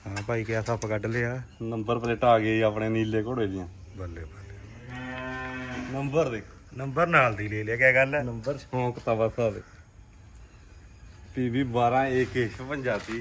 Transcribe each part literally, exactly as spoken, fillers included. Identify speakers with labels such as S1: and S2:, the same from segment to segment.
S1: ਹਾਂ ਭਾਈ ਕਿਆ ਸੱਪ ਕੱਢ ਲਿਆ।
S2: ਨੰਬਰ ਪਲੇਟ ਆ ਗਈ ਆਪਣੇ ਨੀਲੇ ਘੋੜੇ ਦੀਆਂ।
S1: ਬੱਲੇ ਬੱਲੇ
S2: ਨੰਬਰ ਦੇਖ,
S1: ਨੰਬਰ ਨਾਲ ਦੀ ਲੈ ਲਿਆ, ਕਿਆ ਗੱਲ ਹੈ।
S2: ਨੰਬਰ ਸ਼ੌਂਕ ਤਾਂ ਬਸ ਆਵੇ। ਪੀ ਵੀ ਬਾਰਾਂ ਏ ਕੇ ਛਪੰਜਾ ਤੀ।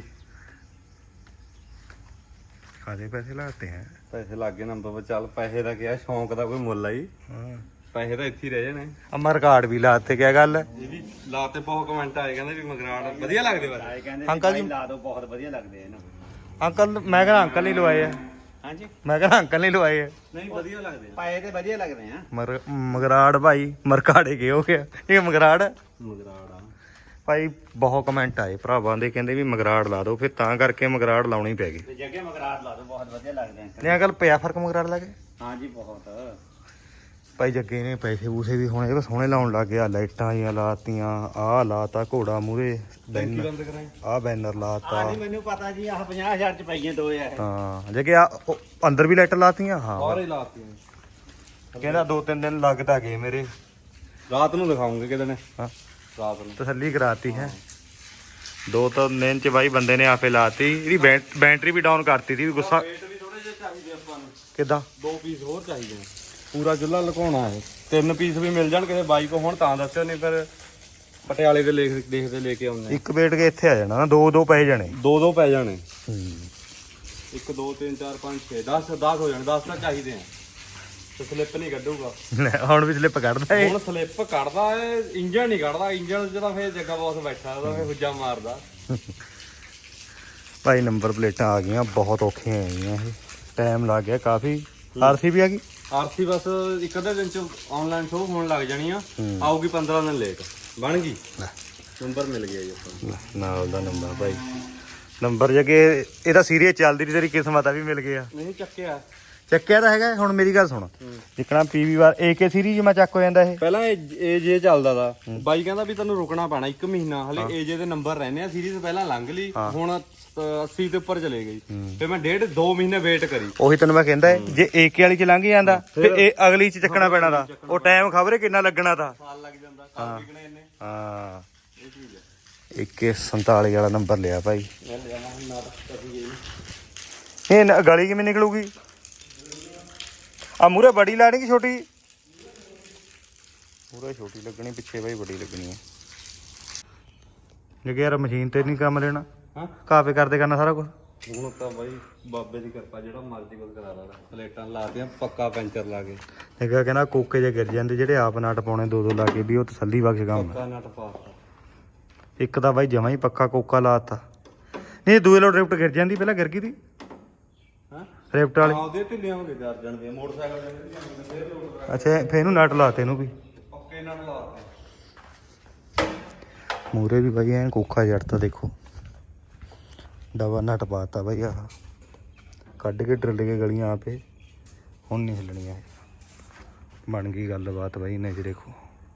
S1: ਖਾਦੇ ਪੈਸੇ ਲਾਤੇ ਹੈ।
S2: ਪੈਸੇ ਲੱਗ ਗਏ ਨੰਬਰ ਪਰ। ਚੱਲ ਪੈਸੇ ਦਾ ਕਿਹਾ, ਸ਼ੌਂਕ ਦਾ ਕੋਈ ਮੁੱਲ ਆਈ।
S1: ਹਾਂ
S2: ਪੈਸੇ ਤਾਂ ਇੱਥੇ ਹੀ ਰਹਿ ਜਾਣੇ।
S1: ਅਮਰ ਰਿਕਾਰਡ ਵੀ ਲਾਤੇ, ਕਿਆ ਗੱਲ ਹੈ।
S2: ਇਹ ਵੀ ਲਾਤੇ, ਬਹੁਤ ਕਮੈਂਟ ਆਏ ਕਹਿੰਦੇ ਵੀ ਮਗਰਾੜ ਵਧੀਆ ਲੱਗਦੇ ਬਸ।
S3: ਕਹਿੰਦੇ
S1: ਅੰਕਲ ਜੀ
S3: ਲਾ ਦੋ, ਬਹੁਤ ਵਧੀਆ ਲੱਗਦੇ ਇਹਨਾਂ।
S1: ਅੰਕਲ ਮੈਂ ਕਹਿੰਦਾ ਅੰਕਲ ਨਹੀਂ ਲਵਾਏ ਆ।
S3: ਹਾਂਜੀ
S1: ਮੈਂ ਕਹਿੰਦਾ ਅੰਕਲ ਨਹੀਂ ਲਵਾਏ ਆ।
S2: ਨਹੀਂ ਵਧੀਆ ਲੱਗਦੇ
S3: ਪਾਏ ਤੇ ਵਧੀਆ ਲੱਗਦੇ ਆ।
S1: ਮਰ ਮਗਰਾੜ ਭਾਈ ਮਰਕਾੜੇ ਗਏ ਹੋ ਗਿਆ ਇਹ ਮਗਰਾੜ
S2: ਮਗਰਾੜ ਆ
S1: ਭਾਈ। ਬਹੁਤ ਕਮੈਂਟ ਆਏ ਭਰਾਵਾਂ ਦੇ, ਕਹਿੰਦੇ ਵੀ ਮਗਰਾੜ ਲਾ ਦਿਓ, ਫਿਰ ਤਾਂ ਕਰਕੇ ਮਗਰਾੜ ਲਾਉਣੀ ਪੈ ਗਈ।
S3: ਤੇ ਜੱਗੇ ਮਗਰਾਟ ਲਾ ਦੋ, ਬਹੁਤ ਵਧੀਆ ਲੱਗਦੇ ਆ।
S1: ਨਹੀਂ ਅੰਕਲ ਪਿਆ ਫਰਕ ਮਗਰਾੜ ਲਾ ਕੇ।
S3: ਹਾਂਜੀ ਬਹੁਤ।
S1: ਭਾਈ ਜੱਗੇ ਨੇ ਪੈਸੇ ਪੂਸੇ ਵੀ ਹੁਣ ਇਹ ਸੋਹਣੇ ਲਾਉਣ ਲੱਗ ਗਿਆ। ਲਾਈਟਾਂ ਜੀਆਂ ਲਾਤੀਆਂ, ਆਹ ਲਾਤਾ ਘੋੜਾ ਮੂਰੇ,
S2: ਟੈਂਕੀ ਬੰਦ ਕਰਾਈ।
S1: ਆਹ ਬੈਨਰ ਲਾਤਾ।
S3: ਹਾਂਜੀ ਮੈਨੂੰ ਪਤਾ ਜੀ, ਆਹ ਪੰਜਾਹ ਹਜ਼ਾਰ ਚ ਪਈਆਂ ਦੋ ਯਾਰ।
S1: ਹਾਂ ਜੱਗੇ ਆ ਅੰਦਰ ਵੀ ਲਾਈਟਾਂ ਲਾਤੀਆਂ। ਹਾਂ
S2: ਸਾਰੇ ਲਾਤੀਆਂ।
S1: ਕਹਿੰਦਾ ਦੋ ਤਿੰਨ ਦਿਨ ਲੱਗਦਾ ਗਏ ਮੇਰੇ।
S2: ਰਾਤ ਨੂੰ ਦਿਖਾਉਂਗੇ ਕਿਤੇ ਨੇ।
S1: ਹਾਂ
S2: ਰਾਤ ਨੂੰ
S1: ਤਸੱਲੀ ਕਰਾਤੀ ਹੈ। ਦੋ ਤਿੰਨ ਦਿਨ ਚ ਬਾਈ ਬੰਦੇ ਨੇ ਆਪੇ ਲਾਤੀ। ਇਹਦੀ ਬੈਟ- ਬੈਟਰੀ ਵੀ ਡਾਊਨ ਕਰਤੀ ਸੀ ਵੀ ਗੁੱਸਾ।
S2: ਰੇਟ ਵੀ ਥੋੜੇ ਜਿਹੇ ਚਾਹੀਦੇ ਆਪਾਂ ਨੂੰ।
S1: ਕਿੱਦਾਂ
S2: ਦੋ ਪੀਸ ਹੋਰ ਚਾਹੀਦੇ ਨੇ। ਪੂਰਾ ਚੁੱਲ੍ਹਾ ਲੁਕਾਉਣਾ ਹੈ। ਤਿੰਨ ਪੀਸ ਵੀ ਮਿਲ ਜਾਣ ਕਿਸੇ ਬਾਈ ਕੋ, ਹੁਣ ਤਾਂ ਦੱਸਿਓ, ਨਹੀਂ ਫਿਰ ਪਟਿਆਲੇ ਦੇ ਲੇਖ ਦੇਖਦੇ ਲੈ ਕੇ ਆਉਂਦੇ।
S1: ਇੱਕ ਵੇਟ ਕੇ ਇੱਥੇ ਆ ਜਾਣਾ ਨਾ, ਦੋ ਦੋ ਪੈ ਜਾਣੇ।
S2: ਦੋ ਦੋ ਪੈ ਜਾਣੇ।
S1: ਹੂੰ
S2: ਇੱਕ ਦੋ ਤਿੰਨ ਚਾਰ ਪੰਜ ਛੇ ਦਸ ਦਸ ਹੋ ਜਾਣੇ। ਦਸ ਤਾਂ ਚਾਹੀਦੇ ਆ। ਤੇ ਸਲਿੱਪ ਨਹੀਂ ਕੱਢੂਗਾ
S1: ਲੈ ਹੁਣ ਵੀ ਸਲਿੱਪ ਕੱਢਦਾ ਇਹ।
S2: ਹੁਣ ਸਲਿੱਪ ਕੱਢਦਾ ਏ, ਇੰਜਣ ਨਹੀਂ ਕੱਢਦਾ। ਇੰਜਣ ਚ ਤਾਂ ਫੇਰ ਜੱਗਾ ਬੌਸ ਬੈਠਾ, ਉਹਦਾ ਫੇਰ ਹੁੱਜਾ ਮਾਰਦਾ।
S1: ਭਾਈ ਨੰਬਰ ਪਲੇਟਾਂ ਆ ਗਈਆਂ, ਬਹੁਤ ਔਖੀਆਂ ਆਈਆਂ ਇਹ। ਟਾਈਮ ਲੱਗ ਗਿਆ ਕਾਫੀ। ਆਰਸੀ ਵੀ ਆ ਗਈ।
S2: ਆਰਸੀ ਬਸ ਇੱਕ ਅੱਧੇ ਦਿਨ ਚ ਆਨਲਾਈਨ ਸ਼ੋਅ ਹੋਣ ਲੱਗ ਜਾਣੀ ਆ।
S1: ਹੂੰ।
S2: ਆਊਗੀ ਪੰਦਰਾਂ ਦਿਨ ਲੇਟ। ਬਣ ਗਈ। ਨੰਬਰ ਮਿਲ ਗਿਆ ਜੀ ਆਪਾਂ ਨੂੰ।
S1: ਨਾਲ ਦਾ ਨੰਬਰ ਭਾਈ। ਨੰਬਰ ਜਗੇ ਇਹਦਾ ਸੀਰੀਅਸ ਚੱਲਦੀ ਰਹੀ, ਤੇਰੀ ਕਿਸਮਤ ਆ ਵੀ ਮਿਲ ਗਿਆ।
S2: ਨਹੀਂ ਚੱਕਿਆ।
S1: ਚੱਕਿਆ ਤਾਂ ਹੈਗਾ। ਹੁਣ ਮੇਰੀ ਗੱਲ ਸੁਣ, ਜਿੱਕਣਾ ਪੀਵੀ ਵਾਰ ਏਕੇ ਸੀਰੀਜ਼ ਮੈਂ ਚੱਕ ਹੋ ਜਾਂਦਾ ਇਹ।
S2: ਪਹਿਲਾਂ ਏ ਜੇ ਚੱਲਦਾ ਦਾ ਬਾਈ ਕਹਿੰਦਾ ਵੀ ਤੈਨੂੰ ਰੁਕਣਾ ਪੈਣਾ ਇੱਕ ਮਹੀਨਾ। ਹਲੇ ਏ ਜੇ ਦੇ ਨੰਬਰ ਰਹਿੰਦੇ ਆ। ਸੀਰੀਜ਼ ਪਹਿਲਾਂ ਲੰਘ ਲਈ, ਹੁਣ ਅੱਸੀ ਤੇ ਉੱਪਰ ਚਲੇ ਗਈ। ਫਿਰ ਮੈਂ ਡੇਢ ਦੋ ਮਹੀਨੇ ਵੇਟ ਕਰੀ।
S1: ਉਹੀ ਤੈਨੂੰ ਮੈਂ ਕਹਿੰਦਾ ਏ, ਜੇ ਏਕੇ ਵਾਲੀ ਚ ਲੰਘ ਜਾਂਦਾ ਫਿਰ ਇਹ ਅਗਲੀ ਚ ਚੱਕਣਾ ਪੈਣਾ ਦਾ। ਉਹ ਟਾਈਮ ਖਬਰੇ ਕਿੰਨਾ ਲੱਗਣਾ ਤਾਂ।
S2: ਸਾਲ ਲੱਗ ਜਾਂਦਾ। ਸਾਲ ਵਿਕਣੇ ਇਹਨੇ।
S1: ਹਾਂ
S2: ਇਹ ਚੀਜ਼ ਹੈ।
S1: ਇੱਕੇ ਸੰਤਾਲੀ ਵਾਲਾ ਨੰਬਰ ਲਿਆ ਭਾਈ।
S2: ਮੈਂ ਲੈ ਜਾਵਾਂ ਹੁਣ ਨਾ ਤਾਂ ਕਦੀ ਗਈ।
S1: ਇਹ ਨ- ਗਲੀ ਕਿਵੇਂ ਨਿਕਲੂਗੀ। ਆ ਮੂਰੇ ਬੜੀ ਲਾਣੀ ਕਿ ਛੋਟੀ। ਮੂਰੇ ਛੋਟੀ ਲੱਗਣੀ, ਪਿੱਛੇ ਭਾਈ ਬੜੀ ਲੱਗਣੀ ਹੈ। ਜੇ ਯਾਰ ਮਸ਼ੀਨ ਤੇ ਨਹੀਂ ਕੰਮ ਲੈਣਾ,
S2: ਹਾਂ
S1: ਕਾਪੇ ਕਰਦੇ ਕਰਨਾ ਸਾਰਾ ਕੁਝ।
S2: ਹੁਣ ਤਾਂ ਬਾਈ ਬਾਬੇ ਦੀ ਕਿਰਪਾ, ਜਿਹੜਾ ਮਰਜ਼ੀ ਕੁਝ ਕਰਾ ਲਾ। ਪਲੇਟਾਂ ਲਾਤੀਆਂ, ਪੱਕਾ ਪੈਂਚਰ ਲਾ ਕੇ।
S1: ਨਿਕਾ ਕਹਿੰਦਾ ਕੋਕੇ ਜੇ ਗਿਰ ਜਾਂਦੇ ਜਿਹੜੇ ਆਪ ਨਟ ਪਾਉਣੇ ਦੋ ਦੋ ਲਾ ਕੇ ਵੀ ਉਹ ਤਸੱਲੀ ਬਖਸ਼ ਕੰਮ ਹੈ।
S2: ਪੱਕਾ ਨਟ ਪਾਤਾ।
S1: ਇੱਕ ਤਾਂ ਬਾਈ ਜਮਾ ਹੀ ਪੱਕਾ ਕੋਕਾ ਲਾਤਾ। ਨਹੀਂ ਦੂਏ ਲੋ ਡਰਿਫਟ ਗਿਰ ਜਾਂਦੀ, ਪਹਿਲਾਂ ਗਿਰ ਗਈ ਦੀ
S2: ਹਾਂ
S1: ਰਿਫਟ ਵਾਲੀ।
S2: ਆਉਂਦੇ ਢਿੱਲੀਆਂ ਹੋ ਗਏ ਚਾਰ ਜਣ ਦੇ ਮੋਟਰਸਾਈਕਲ ਦੇ ਫੇਰ ਲੋਡ
S1: ਅੱਛਾ ਫੇਰ ਇਹਨੂੰ ਨਟ ਲਾਤੇ ਇਹਨੂੰ ਵੀ।
S2: ਪੱਕੇ ਨਟ ਲਾਤੇ।
S1: ਮੂਰੇ ਵੀ ਬਾਈ ਐਨ ਕੋਖਾ ਜੜਤਾ ਦੇਖੋ। ਡਬਲ ਨਟ ਪਾਤਾ ਬਾਈ। ਆਹ ਕੱਢ ਕੇ ਡਰਿੱਲ ਕੇ ਗਲੀਆਂ ਆਪੇ। ਹੁਣ ਨਹੀਂ ਹਿੱਲਣੀਆਂ। ਬਣ ਗਈ ਗੱਲਬਾਤ ਬਾਈ। ਨੇ ਦੇਖੋ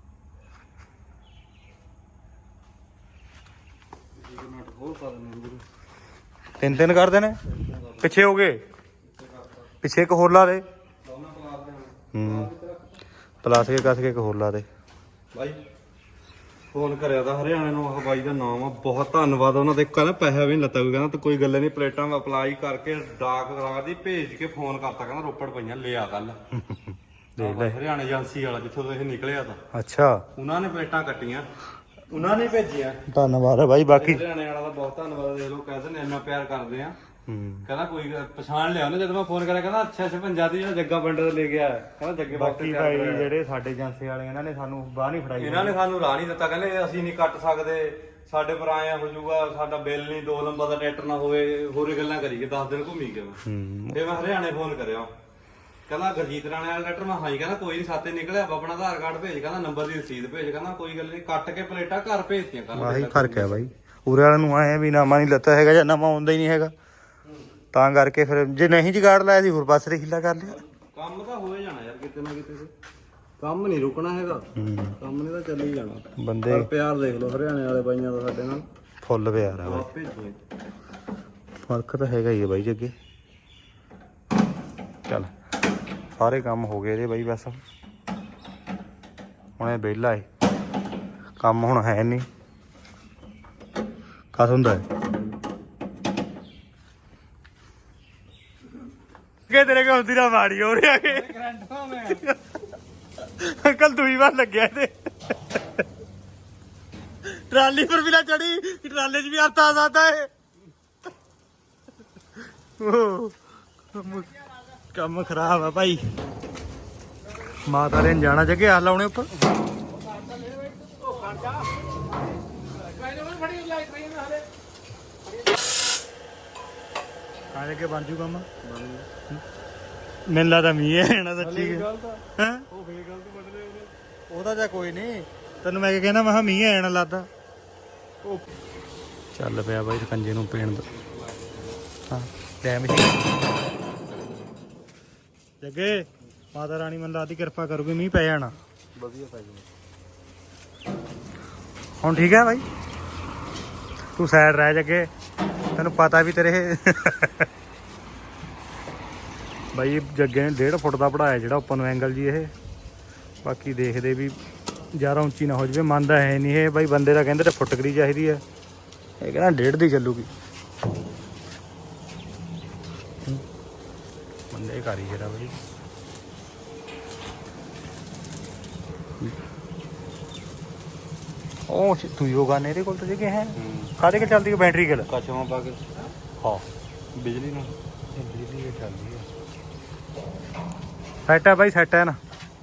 S2: ਨਟ ਹੋਰ ਪਾ ਦਿੰਦੇ ਨੇ।
S1: ਤਿੰਨ ਤਿੰਨ ਕਰਦੇ ਨੇ। ਪਿੱਛੇ ਹੋ ਗਏ, ਪਿੱਛੇ ਇੱਕ ਹੋਰ ਲਾ ਦੇ।
S2: ਦੋਨਾਂ ਪਲਾਸ ਦੇ
S1: ਹੂੰ ਪਲਾਸ ਕੇ ਕੱਸ ਕੇ ਇੱਕ ਹੋਰ ਲਾ ਦੇ
S2: ਬਾਈ। ਫੋਨ ਕਰਿਆ ਤਾਂ ਹਰਿਆਣੇ ਨੂੰ। ਆਹ ਬਾਈ ਦਾ ਨਾਮ ਆ, ਬਹੁਤ ਧੰਨਵਾਦ ਉਹਨਾਂ ਦੇ। ਕਹਿੰਦਾ ਪੈਸਾ ਵੀ ਨਹੀਂ ਲੱਤਾ ਕੋਈ। ਕਹਿੰਦਾ ਤੂੰ ਕੋਈ ਗੱਲ ਨਹੀਂ, ਪਲੇਟਾਂ ਅਪਲਾਈ ਕਰਕੇ ਡਾਕ ਕਰਾ ਦੀ ਭੇਜ ਕੇ ਫੋਨ ਕਰਤਾ। ਕਹਿੰਦਾ ਰੋਪੜ ਪਈਆਂ ਲਿਆ ਕੱਲ।
S1: ਦੇਖ ਲੈ।
S2: ਹਰਿਆਣਾ ਏਜੰਸੀ ਵਾਲਾ ਜਿੱਥੋਂ ਤੋਂ ਇਹ ਨਿਕਲਿਆ ਤਾਂ
S1: ਅੱਛਾ
S2: ਉਹਨਾਂ ਨੇ ਪਲੇਟਾਂ ਕੱਟੀਆਂ, ਉਹਨਾਂ ਨੇ ਭੇਜੀਆਂ।
S1: ਧੰਨਵਾਦ ਹੈ ਬਾਈ। ਬਾਕੀ
S2: ਹਰਿਆਣੇ ਵਾਲਾ ਦਾ ਬਹੁਤ ਧੰਨਵਾਦ। ਦੇਖ ਲਓ ਕਹਿੰਦੇ ਨੇ ਇੰਨਾ ਪਿਆਰ ਕਰਦੇ ਆ।
S1: ਹੂੰ
S2: ਕਹਿੰਦਾ ਕੋਈ ਗੱਲ- ਪਛਾਣ ਲਿਆ ਉਹਨੇ ਜਦੋਂ ਮੈਂ ਫੋਨ ਕਰਿਆ। ਕਹਿੰਦਾ ਅੱਛਾ ਛਪੰਜਾ ਦੀ ਜਿਹੜਾ ਜੱਗਾ ਪਿੰਡ ਤੋਂ ਲੈ ਕੇ ਆਇਆ। ਕਹਿੰਦਾ ਜੱਗੇ ਬਾਕੀ
S1: ਬਾਕੀ ਭਾਈ ਜਿਹੜੇ ਸਾਡੇ ਏਜੰਸੀ ਵਾਲੇ ਇਹਨਾਂ ਨੇ ਸਾਨੂੰ ਬਾਹ ਨਹੀਂ ਫੜਾਈ।
S2: ਇਹਨਾਂ ਨੇ ਸਾਨੂੰ ਰਾਹ ਨਹੀਂ ਦਿੱਤਾ। ਕਹਿੰਦੇ ਅਸੀਂ ਨਹੀਂ ਕੱਟ ਸਕਦੇ, ਸਾਡੇ ਪਰ ਆਇਆ ਹੋ ਜਾਊਗਾ, ਸਾਡਾ ਬਿੱਲ ਨਹੀਂ, ਦੋ ਨੰਬਰ ਦਾ ਟਰੈਕਟਰ ਨਾ ਹੋਵੇ, ਹੋਰੇ ਗੱਲਾਂ ਕਰੀ ਗਏ। ਦਸ ਦਿਨ ਘੁੰਮੀ ਗਏ ਮੈਂ।
S1: ਹੂੰ
S2: ਫਿਰ ਮੈਂ ਹਰਿਆਣੇ ਫੋਨ ਕਰਿਆ। ਕਹਿੰਦਾ ਗੁਰਜੀਤ ਰਾਣੇ ਵਾਲਾ ਟਰੈਕਟਰ। ਮੈਂ ਹਾਂ ਜੀ। ਕਹਿੰਦਾ ਕੋਈ ਨਹੀਂ, ਸਾਤੇ ਨਿਕਲਿਆ ਆਪਣਾ ਆਧਾਰ ਕਾਰਡ ਭੇਜ। ਕਹਿੰਦਾ ਨੰਬਰ ਦੀ ਰਸੀਦ ਭੇਜ। ਕਹਿੰਦਾ ਕੋਈ ਗੱਲ ਨਹੀਂ, ਕੱਟ ਕੇ ਪਲੇਟਾਂ ਘਰ ਭੇਜਤੀਆਂ। ਕੱਲ
S1: ਆਹੀ ਫਰਕ ਹੈ ਬਾਈ। ਉਰੇ ਵਾਲਿਆਂ ਨੂੰ ਆਏ ਵੀ ਨਾਮਾ ਨਹੀਂ ਲੱਤਾ ਹੈਗਾ ਜਾਂ ਨਵਾਂ ਆਉਂਦਾ ਹੀ ਨਹੀਂ ਹੈਗਾ। ਤਾਂ ਕਰਕੇ ਫਿਰ ਜੇ ਨਹੀਂ ਜਗਾੜ ਲਾਇਆ ਸੀ ਹੋਰ ਪਾਸੇ ਹੀਲਾ ਕਰ ਲਿਆ।
S2: ਕੰਮ ਤਾਂ ਹੋ ਹੀ ਜਾਣਾ ਯਾਰ ਕਿਤੇ ਨਾ ਕਿਤੇ। ਕੰਮ ਨਹੀਂ ਰੁਕਣਾ ਹੈਗਾ। ਕੰਮ ਨੇ ਤਾਂ ਚੱਲ ਹੀ ਜਾਣਾ।
S1: ਬੰਦੇ
S2: ਪਰ ਪਿਆਰ ਦੇਖ ਲਓ ਹਰਿਆਣੇ ਵਾਲੇ ਬਾਈਆਂ ਦਾ ਸਾਡੇ ਨਾਲ।
S1: ਫੁੱਲ ਪਿਆਰ ਆ ਬਾਈ।
S2: ਆਪ ਭੇਜੋ।
S1: ਫਰਕ ਤਾਂ ਹੈਗਾ ਹੀ ਹੈ ਬਾਈ ਜੀ ਅੱਗੇ। ਚੱਲ ਸਾਰੇ ਕੰਮ ਹੋ ਗਏ ਇਹਦੇ ਬਾਈ। ਬਸ ਹੁਣ ਇਹ ਵਿਹਲਾ ਏ, ਕੰਮ ਹੁਣ ਹੈ ਨਹੀਂ। ਕਸ ਹੁੰਦਾ ਹੈ ਆਉਂਦੀ ਨਾ ਮਾੜੀ ਹੋ ਰਿਹਾ ਕਿ
S2: ਗਰੰਟਾ ਮੈਂ
S1: ਅੰਕਲ ਦੂਈ ਵਾਰ ਲੱਗਿਆ ਇਹਦੇ ਟਰਾਲੀ ਪਰ ਵੀ ਨਾ ਚੜੀ ਟਰਾਲੇ 'ਚ ਵੀ ਹੱਥ ਆ ਸਕਦਾ ਹੈ ਉਹ ਕੰਮ- ਕੰਮ ਖਰਾਬ ਆ ਭਾਈ ਮਾਤਾ ਨੇ ਜਾਣਾ ਜਗੇ ਆ ਲਾਉਣੇ ਉੱਪਰ ਕਾਹਦੇ ਕੇ ਬਣ ਜੂ ਕੰਮ ਮੈਨੂੰ ਲੱਗਦਾ ਮੀਂਹ ਹੈ ਨਾ ਸੱਚੀ ਹੈ
S2: ਉਹ ਫੇਰ ਗਲਤ ਬਣ ਰਹੇ ਉਹਨੇ
S1: ਉਹਦਾ ਜਾਂ ਕੋਈ ਨਹੀਂ ਤੈਨੂੰ ਮੈਂ ਕੀ ਕਹਿੰਦਾ ਮੈਂ ਕਿਹਾ ਮੀਂਹ ਆਣਾ ਲੱਗਦਾ ਚੱਲ ਪਿਆ ਬਾਈ ਸਕੰਜੇ ਨੂੰ ਪੀਣ ਦਾ ਹਾਂ ਡੈਮ ਸੀ ਜੱਗੇ ਮਾਤਾ ਰਾਣੀ ਮੈਨੂੰ ਲੱਗਦੀ ਕਿਰਪਾ ਕਰੂਗੀ ਮੀਂਹ ਪੈ ਜਾਣਾ
S2: ਵਧੀਆ ਪੈ ਜਾਣਾ
S1: ਹੁਣ ਠੀਕ ਹੈ ਬਾਈ ਤੂੰ ਸਾਈਡ ਰਹਿ ਜੱਗੇ ਤੈਨੂੰ ਪਤਾ ਵੀ ਤੇਰੇ ਬਾਈ ਜੱਗੇ ਨੇ ਡੇਢ ਫੁੱਟ ਦਾ ਪੜਾਇਆ ਜਿਹੜਾ ਉੱਪਰ ਨੂੰ ਐਂਗਲ ਜੀ ਇਹ ਬਾਕੀ ਦੇਖਦੇ ਵੀ ਜ਼ਿਆਦਾ ਉੱਚੀ ਨਾ ਹੋ ਜਾਵੇ ਮੰਨਦਾ ਹੈ ਨਹੀਂ ਇਹ ਬਾਈ ਬੰਦੇ ਦਾ ਕਹਿੰਦੇ ਤੇ ਫੁੱਟਕਰੀ ਚਾਹੀਦੀ ਹੈ ਇਹ ਕਹਿੰਦਾ ਡੇਢ ਦੀ ਚੱਲੂਗੀ ਬੰਦੇ ਕਾਰੀਗਰ ਆ ਬਾਈ ਉਹ ਤੂੰ ਯੋਗਾ ਨੇ ਇਹਦੇ ਕੋਲ ਤਾਂ ਜਗੇ ਹੈ ਕਾਹਦੇ ਕੇ ਚੱਲਦੀ ਹੈ ਬੈਟਰੀ ਕੋਲ
S2: ਕਸ਼ਮਾਂ ਪਾ ਕੇ
S1: ਹਾਂ
S2: ਬਿਜਲੀ ਨਾਲ
S1: ਬਿਜਲੀ ਕੇ ਚੱਲਦੀ ਹੈ ਸੈਟ ਹੈ ਬਾਈ ਸੈਟ ਹੈ ਨਾ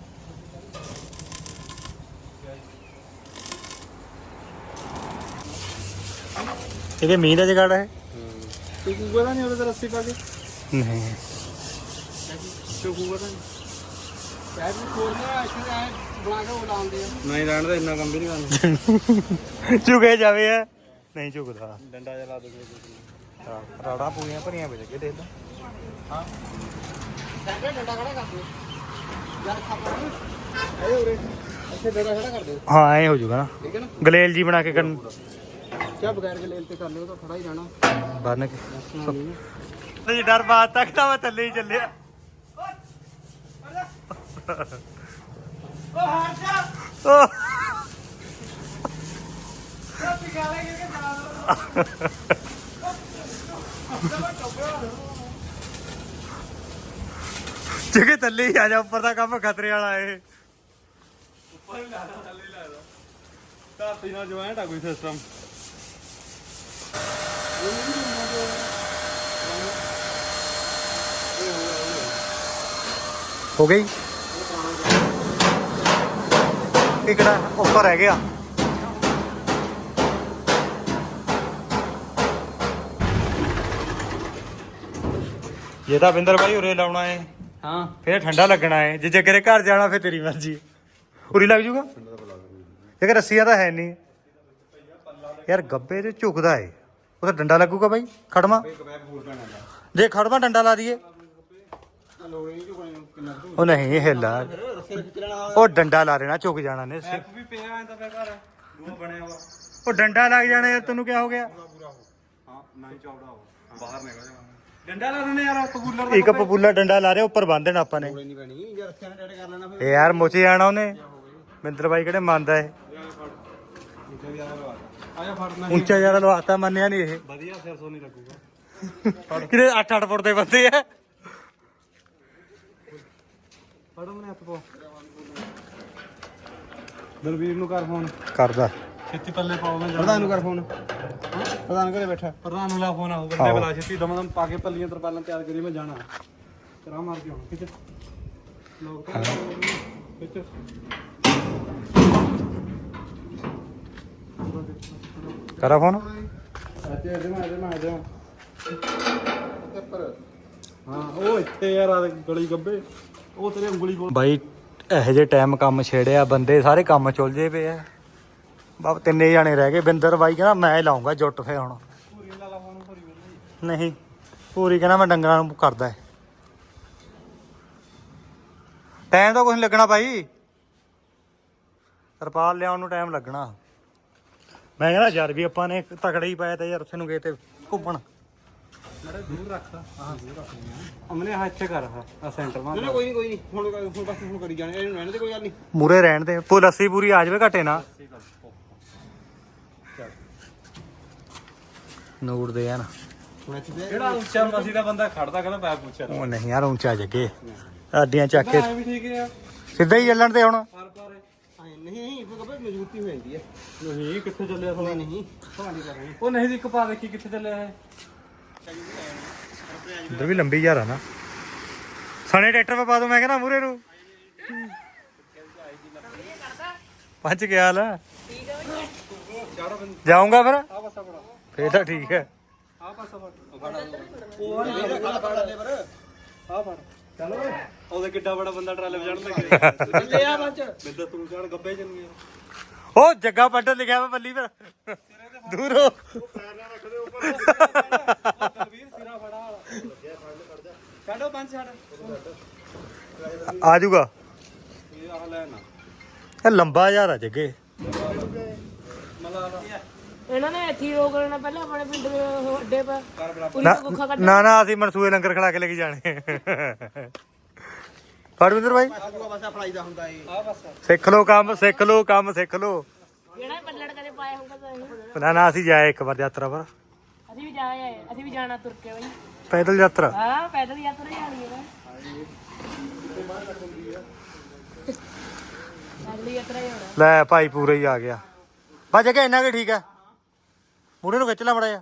S1: ਇਹਦੇ ਮੀਂਹ ਦਾ ਜਗਾੜ ਹੈ
S2: ਤੂੰ ਕੂਗਾ ਤਾਂ ਨਹੀਂ ਉਹਦੇ ਤੇ ਰੱਸੀ ਪਾ ਕੇ
S1: ਨਹੀਂ
S2: ਤੂੰ ਕੂਗਾ ਤਾਂ
S3: ਪੈਰ ਨੂੰ ਖੋਲਣਾ ਇੱਥੇ ਐ ਬਣਾ ਕੇ ਉਹ ਲਾਉਂਦੇ ਆ
S2: ਨਹੀਂ ਰਹਿਣ ਦਾ ਇੰਨਾ ਕੰਮ ਵੀ ਨਹੀਂ ਕਰਨਾ
S1: ਝੁਕੇ ਜਾਵੇ ਆ ਨਹੀਂ ਝੁਕਦਾ
S2: ਡੰਡਾ ਜਿਹਾ ਲਾ ਦੇ
S1: ਹਾਂ ਰਾੜਾ ਪੂਰੀਆਂ ਭਰੀਆਂ ਵਿੱਚ ਅੱਗੇ ਦੇਖ ਲੈ
S3: ਹਾਂ ਡੰਡਾ ਡੰਡਾ ਖੜਾ ਕਰ ਦਿਓ ਯਾਰ ਖਾਪਾ ਨੂੰ ਆਏ ਉਰੇ ਇੱਥੇ ਡੰਡਾ ਖੜਾ ਕਰ ਦਿਓ
S1: ਹਾਂ ਐ ਹੋ ਜਾਊਗਾ ਨਾ
S3: ਠੀਕ ਹੈ ਨਾ
S1: ਗਲੇਲ ਜੀ ਬਣਾ ਕੇ ਕਰਨ
S3: ਕਿਆ ਬਗੈਰ ਗਲੇਲ ਤੇ ਕਰ ਲਿਓ ਤਾਂ ਖੜਾ ਹੀ ਰਹਿਣਾ
S1: ਬੰਨ ਕੇ ਤੇ ਡਰ ਬਾਤ ਤੱਕ ਤਾਂ ਮੈਂ ਥੱਲੇ ਹੀ ਚੱਲਿਆ
S3: ਓ ਹਟ ਜਾ
S1: ਓ
S3: ਕਾਪੀ ਗਾਲੇ ਕਿ ਨਾ
S1: ਜਗੇ ਥੱਲੇ ਹੀ ਆ ਜਾ ਉੱਪਰ ਦਾ ਕੰਮ ਖਤਰੇ ਵਾਲਾ ਏ
S2: ਉੱਪਰ ਹੀ ਲਾਦਾ ਥੱਲੇ ਹੀ ਲਾਦਾ ਧਰਤੀ ਨਾਲ ਜੁਆਇੰਟ ਆ ਕੋਈ ਸਿਸਟਮ
S1: ਹੋ ਗਈ ਇਕੜਾ ਉੱਪਰ ਰਹਿ ਗਿਆ ਇਹ ਤਾਂ ਬਿੰਦਰ ਭਾਈ ਉਰੇ ਲਾਉਣਾ ਏ
S3: ਹਾਂ
S1: ਫੇਰ ਠੰਡਾ ਲੱਗਣਾ ਏ ਜੇ ਜੱਗੇ ਦੇ ਘਰ ਜਾਣਾ ਫੇਰ ਤੇਰੀ ਮਰਜ਼ੀ ਉਰੀ ਲੱਗ ਜੂਗਾ ਜੇ ਰੱਸੀਆਂ ਤਾਂ ਹੈ ਨਹੀਂ ਯਾਰ ਗੱਬੇ ਤੇ ਝੁਕਦਾ ਏ ਉਹ ਤਾਂ ਡੰਡਾ ਲੱਗੂਗਾ ਬਾਈ ਖੜਮਾ ਜੇ ਖੜਮਾ ਡੰਡਾ ਲਾ ਦਈਏ ਉਹ ਨਹੀਂ ਇਹ ਹਿੱਲਾ ਉਹ ਡੰਡਾ ਲਾ ਦੇਣਾ ਝੁਕ ਜਾਣਾ ਨੇ
S2: ਐਪ ਵੀ ਪਿਆ ਐਂਦਾ ਪਿਆ ਘਰ ਦੂਆ ਬਣਿਆ ਵਾ
S1: ਉਹ ਡੰਡਾ ਲੱਗ ਜਾਣਾ ਯਾਰ ਤੈਨੂੰ ਕਿਆ ਹੋ ਗਿਆ
S2: ਹਾਂ ਨਾ ਹੀ ਚੌੜਾ ਹੋ ਬਾਹਰ ਨਿਕਲ ਜਾ ਡੰਡਾ ਲਾ ਦਿੰਦੇ ਯਾਰ ਕਬੂਲਰ
S1: ਇੱਕ ਪਪੂਲਾ ਡੰਡਾ ਲਾ ਰਿਹਾ ਉੱਪਰ ਬੰਨ ਦੇਣਾ ਆਪਾਂ ਨੇ
S3: ਨਹੀਂ ਪੈਣੀ ਯਾਰ ਰੱਖਿਆ ਨਾ ਕਰ ਲੈਣਾ
S1: ਇਹ ਯਾਰ ਮੁੱਚ ਜਾਣਾ ਉਹਨੇ ਮਿੰਦਰ ਬਾਈ ਕਿਹੜੇ ਮੰਨਦਾ ਏ
S2: ਆਇਆ ਫੜਨਾ
S1: ਉੱਚਾ ਜਿਆਦਾ ਲਵਾਤਾ ਮੰਨਿਆ ਨਹੀਂ ਇਹ
S2: ਵਧੀਆ ਸਿਰ ਸੋ ਨਹੀਂ ਲੱਗੂਗਾ
S1: ਕਿਤੇ ਅੱਠ ਅੱਠ ਫੁੱਟ ਦੇ ਬੰਦੇ ਆ
S2: ਫੜੋ ਮਨੇ ਹੱਥ ਪਾ ਦਲਵੀਰ ਨੂੰ ਕਰ ਫੋਨ
S1: ਕਰਦਾ
S2: ਛੇਤੀ ਪੱਲੇ ਪਾਓ ਮੈਂ
S3: ਪ੍ਰਧਾਨ ਨੂੰ ਕਰ ਫੋਨ ਪ੍ਰਧਾਨ ਘਰੇ ਬੈਠਾ
S2: ਪ੍ਰਧਾਨ ਨੂੰ ਲਾ ਫੋਨ ਆਉ ਬੰਦੇ ਬੁਲਾ ਛੇਤੀ ਦਮ ਦਮ ਪਾ ਕੇ ਪੱਲੀਆਂ ਤਰਪਾਲਾਂ ਤਿਆਰ ਕਰੀ ਮੈਂ ਜਾਣਾ ਤੇਰਾ ਮਾਰ ਕੇ ਆਉਣਾ ਖਿੱਚ ਲੋਕ ਤਾਂ ਖਿੱਚ
S1: ਕਰਾ ਫੋਨ
S2: ਅੱਤੇ ਇਹਦੇ ਮੈਂ ਇਹਦੇ ਮੈਂ ਇਹਦੇ ਮੈਂ ਹਾਂ ਉਹ ਇੱਥੇ ਯਾਰ ਆ ਗਲੀ ਗੱਬੇ ਉਹ ਤੇਰੇ ਉਂਗਲੀ ਕੋਲ
S1: ਬਾਈ ਇਹੋ ਜਿਹੇ ਟਾਈਮ ਕੰਮ ਛੇੜਿਆ ਬੰਦੇ ਸਾਰੇ ਕੰਮ ਚੁਲਜੇ ਪਏ ਆ ਬਾਬ ਤਿੰਨੇ ਜਾਣੇ ਰਹਿ ਗਏ ਬਿੰਦਰ ਬਾਈ ਕਹਿੰਦਾ ਮੈਂ ਲਾਉਂਗਾ ਜੁੱਟ ਫੇ ਹੁਣ
S2: ਪੂਰੀ ਲਾ ਲਾ ਫੋਨ ਪੂਰੀ
S1: ਨਹੀਂ ਪੂਰੀ ਕਹਿੰਦਾ ਮੈਂ ਡੰਗਰਾਂ ਨੂੰ ਕਰਦਾ ਟਾਈਮ ਤਾਂ ਕੁਛ ਨੀ ਲੱਗਣਾ ਭਾਈ ਤਰਪਾਲ ਲਿਆਉਣ ਨੂੰ ਟਾਈਮ ਲੱਗਣਾ ਮੈਂ ਕਹਿੰਦਾ ਯਾਰ ਵੀ ਆਪਾਂ ਨੇ ਤਕੜਾ ਹੀ ਪਾਇਆ ਤੇ ਯਾਰ ਉੱਥੇ ਨੂੰ ਗਏ ਤੇ ਘੁੰਮਣ
S2: ਮੇਰੇ ਦੂਰ ਰੱਖ ਹਾਂ ਦੂਰ ਰੱਖ ਅਮਨੇ ਹਾਂ ਇੱਥੇ ਕਰ ਆ ਸੈਂਟਰ ਮਾ
S3: ਨਹੀਂ ਕੋਈ ਨਹੀਂ ਕੋਈ ਨਹੀਂ ਹੁਣ ਹੁਣ ਬਸ ਹੁਣ ਕਰੀ ਜਾਣੇ ਇਹਨੂੰ ਰਹਿਣ ਦੇ ਕੋਈ ਗੱਲ ਨਹੀਂ
S1: ਮੂਰੇ ਰਹਿਣ ਦੇ ਪੁੱਲ ਲੱਸੀ ਪੂਰੀ ਆ ਜਾਵੇ ਘਟੇ ਨਾ ਨੂੜ ਦੇ ਆ ਨਾ
S3: ਹੁਣ ਇੱਥੇ ਤੇ
S2: ਕਿਹੜਾ ਉੱਚਾ ਮਸੀ ਦਾ ਬੰਦਾ ਖੜਦਾ ਕਹਿੰਦਾ ਪੈ ਪੁੱਛਿਆ
S1: ਉਹ ਨਹੀਂ ਯਾਰ ਉੱਚਾ ਜੱਗੇ ਅੱਡੀਆਂ ਚੱਕ ਕੇ
S2: ਐ ਵੀ ਠੀਕ ਆ
S1: ਸਿੱਧਾ ਹੀ ਚੱਲਣ ਤੇ ਹੁਣ
S2: ਪਰ ਪਰ
S3: ਆਏ ਨਹੀਂ ਫਿਰ ਕਬੇ ਮਜ਼ਬੂਤੀ ਹੋ ਜਾਂਦੀ ਹੈ
S2: ਨਹੀਂ ਕਿੱਥੇ ਚੱਲਿਆ ਸਾਲਾ
S3: ਨਹੀਂ ਨਹੀਂ ਤੁਹਾਡੀ ਕਰ ਰਹੇ
S2: ਉਹ ਨਹੀਂ ਦੀ ਕਪਾ ਦੇਖੀ ਕਿੱਥੇ ਚੱਲਿਆ ਹੈ
S1: ਇੱਧਰ ਵੀ ਲੰਬੀ ਯਾਰ ਆ ਨਾ ਸਣੇ ਟਰੈਕਟਰ ਪਾ ਪਾ ਦੋ ਮੈਂ ਕਹਿੰਦਾ ਮੂਰੇ ਨੂੰ ਪਹੁੰਚ ਗਿਆ ਹਾਲ ਜਾਊਂਗਾ ਫਿਰ
S2: ਆ ਪਾਸਾ ਬੜਾ
S1: ਫੇਰ ਤਾਂ ਠੀਕ ਹੈ
S2: ਆ ਪਾਸਾ ਬੜਾ ਉਹ
S3: ਮੇਰਾ ਕਾਲਾ ਪਾੜਾ ਲੈ ਪਰ
S2: ਆ ਫੜ ਚੱਲ ਓਏ ਉਹਦੇ ਕਿੱਡਾ ਬੜਾ ਬੰਦਾ ਟਰਾਲੇ ਵਜਾਣ ਲੱਗੇ
S3: ਚੱਲੇ ਆ ਬੰਚ
S2: ਬਿੰਦਾ ਤੂੰ ਚੜ ਗੱਬੇ ਜੰਨੀ
S1: ਉਹ ਜੱਗਾ ਪੱਟਰ ਲਿਖਿਆ ਵਾ ਪੱਲੀ ਪਰ ਦੂਰ ਹੋ
S2: ਵੀਰ ਸਿਰਾ ਫੜਾ ਛੱਡੋ ਪੰਜ ਛੱਡ
S1: ਆ ਜਾਊਗਾ
S2: ਇਹ ਆ ਲੈ ਨਾ
S1: ਇਹ ਲੰਬਾ ਯਾਰ ਆ ਜੱਗੇ
S2: ਮਲਾ
S4: ਇਹਨਾਂ ਨੇ ਇੱਥੇ ਹੀ ਰੋਕ ਲੈਣਾ ਪਹਿਲਾਂ ਆਪਣੇ ਪਿੰਡ ਦੇ ਉਹ ਅੱਡੇ ਪਰ
S2: ਕਰ ਬੜਾ
S4: ਪੂਰੀ
S1: ਨਾ
S4: ਤੋਂ ਗੁੱਖਾ ਕੱਢ
S1: ਨਾ ਨਾ ਅਸੀਂ ਮਨਸੂਏ ਲੰਗਰ ਖੜਾ ਕੇ ਲੈ ਕੇ ਜਾਣੇ ਫੜਵਿੰਦਰ ਭਾਈ
S3: ਆਜੂਗਾ ਬਸ ਫੜਾਈ ਦਾ ਹੁੰਦਾ ਏ
S2: ਆ ਪਾਸਾ
S1: ਸਿੱਖ ਲੋ ਕੰਮ ਸਿੱਖ ਲੋ ਕੰਮ ਸਿੱਖ ਲੋ
S4: ਜਿਹੜਾ ਪੱਲੜ ਕਦੇ ਪਾਇਆ ਹੋਊਗਾ ਤਾਂ ਇਹ।
S1: ਨਾ ਨਾ ਅਸੀਂ ਜਾਏ ਇੱਕ ਵਾਰ ਯਾਤਰਾ ਪਰ
S4: ਅਸੀਂ ਵੀ ਜਾ ਆਏ ਅਸੀਂ ਵੀ ਜਾਣਾ ਤੁਰ ਕੇ ਬਈ
S1: ਪੈਦਲ ਯਾਤਰਾ
S4: ਹਾਂ ਪੈਦਲ ਯਾਤਰਾ ਜਾਣੀ ਹੈ ਪੈਦਲ ਯਾਤਰਾ ਹੀ ਹੋਣਾ
S1: ਲੈ ਭਾਈ ਪੂਰਾ ਹੀ ਆ ਗਿਆ ਬਸ ਜੱਗੇ ਇੰਨਾ ਕਿ ਠੀਕ ਹੈ ਮੂਰੇ ਨੂੰ ਖਿੱਚ ਲੈ ਮੜਾ ਜਾ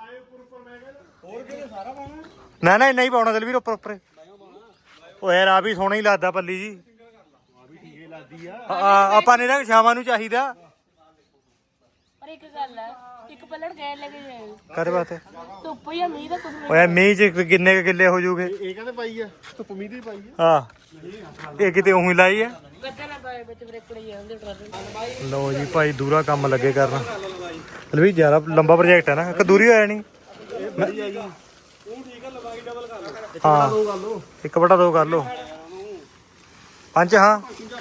S1: ਨਾ ਨਾ ਇੰਨਾ ਹੀ ਪਾਉਣਾ ਦਲਵੀਰ ਉੱਪਰ ਉੱਪਰ ਉਹ ਯਾਰ ਆ ਵੀ ਸੋਹਣਾ ਹੀ ਲੱਗਦਾ ਪੱਲੀ ਜੀ ਆ ਆਪਾਂ ਨੇ ਨਾ ਸ਼ਾਮਾਂ ਨੂੰ ਚਾਹੀਦਾ
S4: ਪਰ ਇੱਕ ਗੱਲ ਹੈ ਇੱਕ ਪੱਲੜ ਗਏ ਲੈ ਕੇ ਜਾਏ
S1: ਕਰੇ ਬਾਤੇ
S4: ਧੁੱਪ ਜਾਂ ਮੀਂਹ ਦਾ ਕੁਝ ਨਹੀਂ
S1: ਓਏ ਮੀਂਹ ਚ ਕਿੰਨੇ ਕੁ ਕਿੱਲੇ ਹੋ ਜੂਗੇ
S3: ਇਹ ਕਹਿੰਦੇ ਪਾਈ ਆ ਧੁੱਪ ਮੀਂਹ ਦੀ ਪਾਈ
S1: ਹਾਂ ਇਹ ਕਿਤੇ ਉਹੀ ਲਾਈ ਹੈ
S4: ਗੱਦਾ ਨਾ ਪਾਏ ਵਿੱਚ ਬ੍ਰੇਕੜੇ ਜਾਂਦੇ ਟਰਾਲੇ
S1: ਲਓ ਜੀ ਭਾਈ ਦੂਰਾ ਕੰਮ ਲੱਗੇ ਕਰਨ ਲਵੀ ਜਿਆਦਾ ਲੰਬਾ ਪ੍ਰੋਜੈਕਟ ਹੈ ਨਾ ਇੱਕ ਦੂਰੀ ਹੋਇਆ ਨਹੀਂ ਹਾਂ ਇੱਕ ਬਟਾ ਦੋ ਕਰ ਲੋ ਪੰਜ ਹਾਂ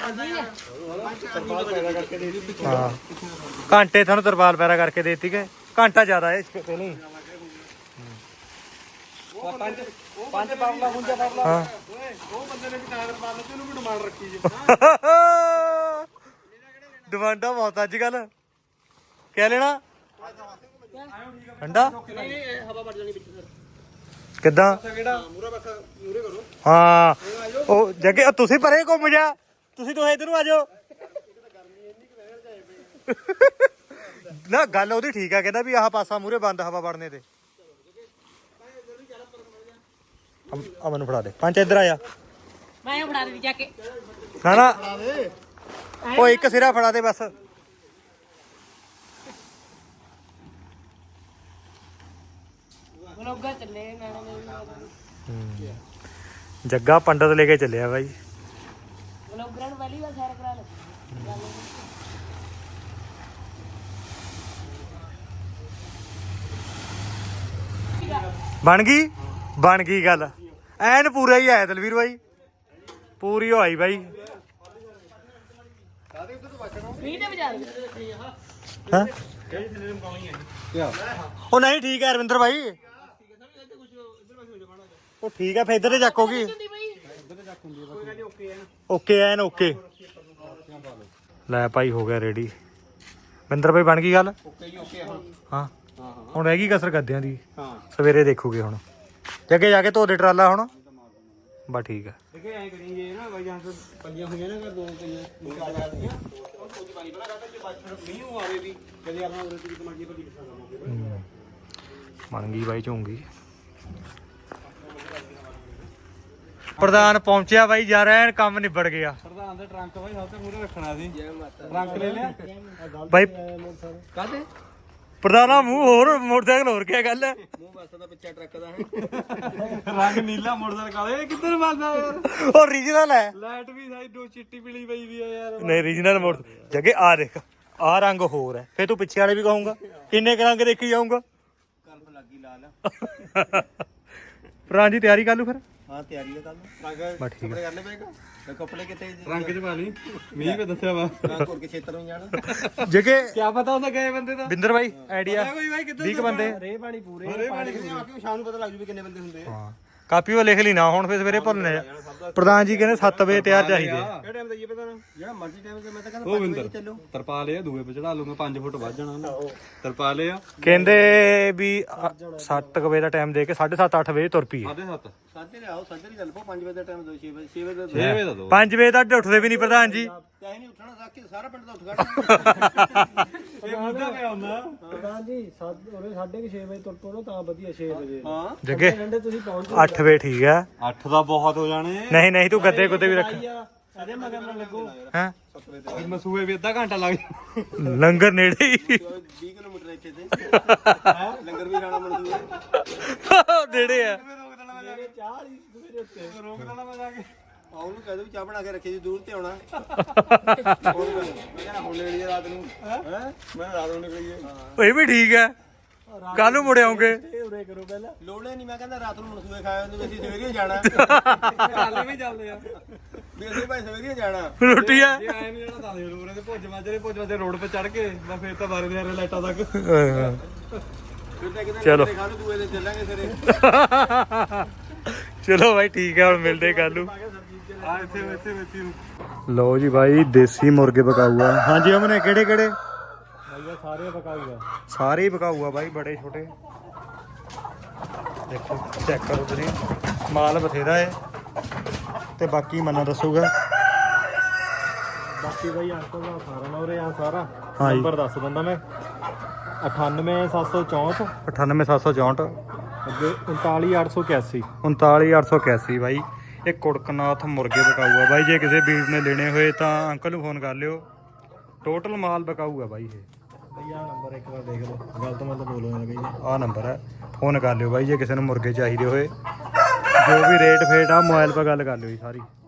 S1: ਹਾਂ ਘੰਟੇ ਤੁਹਾਨੂੰ ਤਰਪਾਲ ਪੈਰਾ ਕਰਕੇ ਦੇਤੀ ਕਿ ਘੰਟਾ ਜ਼ਿਆਦਾ ਹੈ ਇਸ ਤੇ ਨਹੀਂ
S2: ਪੰਜ ਪੰਜ ਪਾਵਲਾ ਹੁੰਜਾ ਪਾਵਲਾ
S1: ਹਾਂ
S2: ਓਏ ਉਹ ਬੰਦੇ ਨੇ ਵੀ ਟਾਇਰ ਪਾ ਲਿਆ ਉਹਨੂੰ ਵੀ ਡਿਮਾਂਡ ਰੱਖੀ ਜੀ
S1: ਡਿਮਾਂਡਾਂ ਬਹੁਤ ਅੱਜ ਕੱਲ ਕਹਿ ਲੈਣਾ ਠੰਡਾ
S3: ਨਹੀਂ ਨਹੀਂ ਹਵਾ ਵੱਜ ਜਾਣੀ ਵਿੱਚ ਫਿਰ
S1: ਕਿੱਦਾਂ
S2: ਕਿਹੜਾ
S3: ਮੂਰਾ ਬਸ ਮੂਰੇ ਕਰੋ
S1: ਹਾਂ ਉਹ ਜੱਗੇ ਤੁਸੀਂ ਪਰੇ ਘੁੰਮ ਜਾ ਤੁਸੀਂ ਦੋਹੇ ਇਧਰ ਨੂੰ ਆ ਜਾਓ ਨਾ ਗੱਲ ਉਹਦੀ ਠੀਕ ਆ ਕਹਿੰਦਾ ਵੀ ਆਹ ਪਾਸਾ ਮੂਰੇ ਬੰਦ ਹਵਾ ਵੜਨੇ ਤੇ ਆ ਮੈਨੂੰ ਫੜਾ ਦੇ ਪੰਜ ਇੱਧਰ ਆਇਆ
S4: ਮੈਂ ਉਹ ਫੜਾ ਦਿੱਤੀ ਜਾ ਕੇ
S1: ਨਾ ਨਾ ਉਹ ਇੱਕ ਸਿਰਾ ਫੜਾ ਦੇ ਬਸ
S4: ਬਲੌਗਰ ਚੱਲੇ ਨਾਲੇ
S1: ਜੱਗਾ ਪੰਡਤ ਲੈ ਕੇ ਚੱਲਿਆ ਬਾਈ
S4: ਬਲੌਗਰਾਂ ਨੂੰ ਪਹਿਲੀ ਵਾਰ ਸੈਰ ਕਰਾ ਲੈ
S1: ਬਣ ਗਈ ਬਣ ਗਈ ਗੱਲ ਐਨ ਪੂਰਾ ਹੀ ਆਇਆ ਦਲਵੀਰ ਬਾਈ ਪੂਰੀ ਹੋਈ ਬਾਈ
S4: ਮੀਂਹ ਤੇ ਵਜਾ ਦੇ
S1: ਹਾਂ ਉਹ ਨਹੀਂ ਠੀਕ ਹੈ ਅਰਵਿੰਦਰ ਬਾਈ ਉਹ ਠੀਕ ਹੈ ਫੇਰ ਇੱਧਰ ਤੇ ਚੱਕੋਗੀ
S4: ਹੁੰਦੀ ਬਈ
S1: ਓਕੇ ਐਨ ਓਕੇ ਲੈ ਭਾਈ ਹੋ ਗਿਆ ਰੈਡੀ ਵਿੰਦਰ ਭਾਈ ਬਣ ਗਈ ਗੱਲ
S3: ਓਕੇ ਜੀ ਓਕੇ ਹਾਂ
S1: ਹਾਂ ਹੁਣ ਰਹਿ ਗਈ ਕਸਰ ਗੱਦਿਆਂ ਦੀ
S3: ਹਾਂ
S1: ਸਵੇਰੇ ਦੇਖੋਗੇ ਹੁਣ ਜੱਗੇ ਜਾ ਕੇ ਧੋ ਦੇ ਟਰਾਲਾ ਹੁਣ ਬਸ ਠੀਕ ਹੈ
S3: ਦੇਖੇ ਐ ਕਰੀ ਜੇ ਨਾ ਬਾਈ ਜਾਂ ਪੱਲੀਆਂ ਹੋਈਆਂ ਨਾ ਦੋ ਪਈਆਂ ਦੋ ਆ ਜਾਂਦੀਆਂ ਉਹ ਕੋਈ ਪਾਣੀ ਬਣਾ ਕਰਦਾ ਜੇ ਬਾਅਦ ਮੀਂਹ ਆਵੇ ਵੀ ਕਦੇ ਆਪਣਾ ਉਰੇ ਦੀ ਕਮਾਂਡੀ ਪੱਲੀ ਕਿੱਥਾ ਲਾਵਾਂਗੇ
S1: ਬਣ ਗਈ ਬਾਈ ਝੋਂਗੀ ਪ੍ਰਧਾਨ ਪਹੁੰਚਿਆ ਬਾਈ ਯਾਰ ਐਨ ਕੰਮ ਨਿਬੜ ਗਿਆ
S2: ਪ੍ਰਧਾਨ ਦੇ ਟਰੰਕ ਬਾਈ ਸਭ ਤੋਂ ਮੂਹਰੇ ਰੱਖਣਾ ਸੀ ਟਰੰਕ ਲੈ ਲਿਆ
S1: ਬਾਈ
S3: ਕਾਹਦੇ
S1: ਪ੍ਰਧਾਨਾ ਮੂੰਹ ਹੋਰ ਮੋਟਰਸਾਈਕਲ ਹੋਰ ਕੀ ਗੱਲ ਹੈ
S3: ਮੂੰਹ ਬਸ ਦਾ ਪਿੱਛਾ ਟਰੱਕ ਦਾ ਹੈ
S2: ਰੰਗ ਨੀਲਾ ਮੋਟਰਸਾਈਕਲ ਕਾਲੇ ਇਹ ਕਿੱਧਰ ਵੱਜਦਾ ਯਾਰ
S1: ਉਹ ਓਰੀਜਨਲ ਹੈ
S2: ਲਾਈਟ ਵੀ ਸਾਈ ਦੋ ਚਿੱਟੀ ਪੀਲੀ ਪਈ ਵੀ ਆ ਯਾਰ
S1: ਨਹੀਂ ਓਰੀਜਨਲ ਮੋਟਰ ਜੱਗੇ ਆ ਦੇਖ ਆ ਰੰਗ ਹੋਰ ਹੈ ਫੇਰ ਤੂੰ ਪਿੱਛੇ ਵਾਲੇ ਵੀ ਕਹੂੰਗਾ ਕਿੰਨੇ ਕੁ ਰੰਗ ਦੇਖੀ ਜਾਊਂਗਾ
S3: ਕਲਪ ਲੱਗੀ ਲਾਲ
S1: ਪ੍ਰਾਂ ਜੀ ਤਿਆਰੀ ਕਰ ਲੂ ਫਿਰ
S3: ਹਾਂ ਤਿਆਰੀ ਹੈ ਕੱਲ ਰੰਗ
S1: ਬਸ ਠੀਕ
S3: ਕੱਪੜੇ ਕਰ ਲੈ ਪਏਗਾ ਤੇ ਕੱਪੜੇ ਕਿਤੇ
S2: ਰੰਗ ਚ ਪਾ ਲਈ ਮੀਂਹ ਵੀ ਦੱਸਿਆ ਵਾ
S3: ਰੰਗ ਹੋਰ ਕੇ ਖੇਤਰ ਨੂੰ ਜਾਣਾ
S1: ਜੱਗੇ
S2: ਕੀ ਪਤਾ ਹੁੰਦਾ ਗਏ ਬੰਦੇ ਦਾ
S1: ਬਿੰਦਰ ਬਾਈ ਆਈਡੀਆ
S2: ਕੋਈ ਬਾਈ ਕਿੱਧਰ
S1: ਵੀਹ ਕੁ ਬੰਦੇ
S3: ਰੇ ਪਾਣੀ ਪੂਰੇ ਪਾਣੀ ਆ ਕੇ ਸ਼ਾਮ ਨੂੰ ਪਤਾ ਲੱਗ ਜੂ ਵੀ ਕਿੰਨੇ ਬੰਦੇ ਹੁੰਦੇ ਆ
S1: ਹਾਂ ਕਾਪੀ ਉਹ ਲਿਖ ਲਈ ਨਾ ਹੁਣ ਫਿਰ ਸਵੇਰੇ ਭੁੱਲਣੇ ਆ। ਪ੍ਰਧਾਨ ਜੀ ਕਹਿੰਦੇ ਸੱਤ ਵਜੇ ਤਿਆਰ ਚਾਹੀਦੇ ਆ।
S3: ਕਿਹੜਾ ਟਾਈਮ ਦਾ ਇਹ ਪਤਾ ਨਾ ਜਿਹੜਾ ਮਰਜ਼ੀ ਟਾਈਮ ਤੇ ਮੈਂ ਤਾਂ ਕਹਿੰਦਾ
S2: ਉਹ
S3: ਪੰਜ ਵਜੇ
S2: ਵਿੰਦਰ
S3: ਚੱਲੋ।
S2: ਤਰਪਾਲੇ ਆ ਦੂਏ ਪੇ ਚੜਾ ਲੂੰਗਾ ਪੰਜ ਫੁੱਟ ਵੱਧ ਜਾਣਾ ਉਹਨੇ ਤਰਪਾਲੇ ਆ
S1: ਕਹਿੰਦੇ ਵੀ ਸੱਤ ਵਜੇ ਦਾ ਟਾਈਮ ਦੇ ਕੇ ਸਾਢੇ ਸੱਤ ਅੱਠ ਵਜੇ ਤੁਰ ਪਈਏ।
S2: ਸਾਢੇ ਸੱਤ
S3: ਸਾਢੇ ਦੇ ਆਓ ਸਾਢੇ ਦੀ ਚੱਲ ਪੋ ਪੰਜ ਵਜੇ ਦਾ ਟਾਈਮ ਦੋ ਛੇ ਵਜੇ ਛੇ ਵਜੇ ਦਾ
S2: ਛੇ ਵਜੇ ਦਾ ਦੋ
S1: ਪੰਜ ਵਜੇ ਤੱਕ ਉੱਠਦੇ ਵੀ ਨਹੀਂ ਪ੍ਰਧਾਨ ਜੀ।
S3: ਚਾਹੇ ਨਹੀਂ ਉੱਠਣਾ ਸਾਕੇ ਸਾਰਾ ਪਿੰਡ ਦਾ ਉੱਠ ਖੜਾ
S2: ਇਹ ਮੁੱਦਾ ਪਿਆ ਹੁੰਦਾ
S3: ਪ੍ਰਧਾਨ ਜੀ ਉਹਨੇ ਸਾਢੇ ਕਿ ਛੇ ਵਜੇ ਤੁਰ ਪੋ ਤਾਂ ਵਧੀਆ ਛੇ ਵਜੇ ਹਾਂ
S1: ਜੱਗੇ
S3: ਘੰਟੇ ਤੁਸੀਂ ਪਹੁੰਚ
S1: ਅੱਠ ਵਜੇ ਠੀਕ ਆ।
S2: ਅੱਠ ਦਾ ਬਹੁਤ ਹੋ ਜਾਣੇ
S1: ਨਹੀਂ ਨਹੀਂ ਤੂੰ ਗੱਦੇ ਗੁੱਦੇ ਵੀ ਰੱਖ
S3: ਅਰੇ ਮਗਰ ਨਾ ਲੱਗੋ
S1: ਹੈ।
S2: ਮਸੂਏ ਵੀ ਅੱਧਾ ਘੰਟਾ ਲੱਗ
S1: ਲੰਗਰ ਨੇੜੇ ਹੀ
S3: ਵੀਹ ਕਿਲੋਮੀਟਰ ਇੱਥੇ ਤੇ ਲੰਗਰ ਵੀ ਖਾਣਾ ਮਨਜ਼ੂਰ
S1: ਨੇੜੇ ਆ।
S3: ਮੇਰੇ ਚਾਹ ਹੀ ਸਵੇਰੇ ਉੱਤੇ
S2: ਰੋਕ ਦੇਣਾ ਮੈਂ ਜਾ ਕੇ
S3: ਆ ਉਹਨੂੰ ਕਹਿ ਦੋ ਵੀ ਚਾਹ ਬਣਾ ਕੇ ਰੱਖੀ ਜੀ ਦੂਰ ਤੇ ਆਉਣਾ ਮੈਂ ਕਹਿੰਦਾ ਹੁਣ ਲੈ ਲਈ ਰਾਤ ਨੂੰ ਹੈ ਮੈਂ ਰਾਤ ਨੂੰ ਨਿਕਲੀਏ
S1: ਇਹ ਵੀ ਠੀਕ ਆ। ਕੱਲ ਨੂੰ ਮੁੜ ਆਉਂਗੇ।
S3: ਉਰੇ ਕਰੋ ਪਹਿਲਾਂ ਲੋੜੇ ਨਹੀਂ ਮੈਂ ਕਹਿੰਦਾ ਰਾਤ ਨੂੰ ਮਨਸੂਏ ਖਾਏ ਹੁੰਦੇ ਵੀ ਅਸੀਂ ਸਵੇਰੇ ਜਾਣਾ
S2: ਹਾਲੇ ਵੀ ਚੱਲਦੇ ਆ
S3: ਵੀ ਅਸੀਂ ਭਾਈ ਸਵੇਰੇ ਜਾਣਾ
S1: ਰੋਟੀ ਆ।
S2: ਜੇ ਆਏ ਨਹੀਂ ਜਾਣਾ ਤਾਂ ਰੋਰੇ ਦੇ ਭੁੱਜ ਮਾਜਰੇ ਭੁੱਜ ਮਾਜਰੇ ਰੋਡ 'ਤੇ ਚੜ ਕੇ ਮੈਂ ਫੇਰ ਤਾਂ ਬਾਰੇ ਦੇ ਆਰੇ ਲਾਈਟਾਂ ਤੱਕ
S3: ਫਿਰ ਤਾਂ ਕਿਤੇ
S1: ਚਲੋ।
S3: ਖਾ ਲੂ ਦੂਏ ਦੇ ਚੱਲਾਂਗੇ ਸਵੇਰੇ
S1: ਚਲੋ ਭਾਈ ਠੀਕ ਆ ਹੁਣ ਮਿਲਦੇ ਕੱਲ ਨੂੰ।
S2: ਆ ਇੱਥੇ ਇੱਥੇ ਵਿੱਚ ਹੀ
S1: ਲਓ ਜੀ ਭਾਈ ਦੇਸੀ ਮੁਰਗੇ ਪਕਾਊ ਆ। ਹਾਂਜੀ ਅਮਨੇ ਕਿਹੜੇ ਕਿਹੜੇ
S3: ਭਈਆ ਸਾਰੇ ਪਕਾਊਗਾ
S1: ਸਾਰੇ ਹੀ ਪਕਾਊ ਆ ਬਾਈ ਬੜੇ ਛੋਟੇ। ਦੇਖੋ ਚੈੱਕ ਕਰੋ ਤੁਸੀਂ ਮਾਲ ਬਥੇਰਾ ਹੈ ਤੇ ਬਾਕੀ ਮੰਨਾ ਦੱਸੂਗਾ।
S3: ਬਾਕੀ ਭਾਈ ਅੰਕਲ ਦਾ ਸਾਰਾ ਨਾ ਉਰੇ ਆ ਸਾਰਾ
S1: ਹਾਂ ਜੀ।
S3: ਨੰਬਰ ਦੱਸ ਦਿੰਦਾ ਮੈਂ ਅਠਾਨਵੇਂ ਸੱਤ ਸੌ ਚੌਂਹਠ
S1: ਅਠਾਨਵੇਂ ਸੱਤ ਸੌ ਚੌਂਹਠ
S3: ਅੱਗੇ ਉਨਤਾਲੀ ਅੱਠ ਸੌ ਇਕਿਆਸੀ
S1: ਉਨਤਾਲੀ ਅੱਠ ਸੌ ਇਕਿਆਸੀ ਬਾਈ। ਇਹ ਕੁੜਕਨਾਥ ਮੁਰਗੇ ਪਕਾਊ ਆ ਬਾਈ। ਜੇ ਕਿਸੇ ਵੀਰ ਨੇ ਲੈਣੇ ਹੋਏ ਤਾਂ ਅੰਕਲ ਨੂੰ ਫੋਨ ਕਰ ਲਿਓ। ਟੋਟਲ ਮਾਲ ਪਕਾਊ ਆ ਬਾਈ ਇਹ।
S3: ਬਈ ਆਹ ਨੰਬਰ ਇੱਕ ਵਾਰ ਦੇਖ ਲਓ ਗਲਤ ਮੈਂ ਤਾਂ ਬੋਲੋ ਨਾ ਕਹੀ
S1: ਆਹ ਨੰਬਰ ਹੈ। ਫੋਨ ਕਰ ਲਿਓ ਬਾਈ ਜੇ ਕਿਸੇ ਨੂੰ ਮੁਰਗੇ ਚਾਹੀਦੇ ਹੋਏ। ਜੋ ਵੀ ਰੇਟ ਫੇਟ ਆ ਮੋਬਾਈਲ 'ਤੇ ਗੱਲ ਕਰ ਲਿਓ ਜੀ ਸਾਰੀ।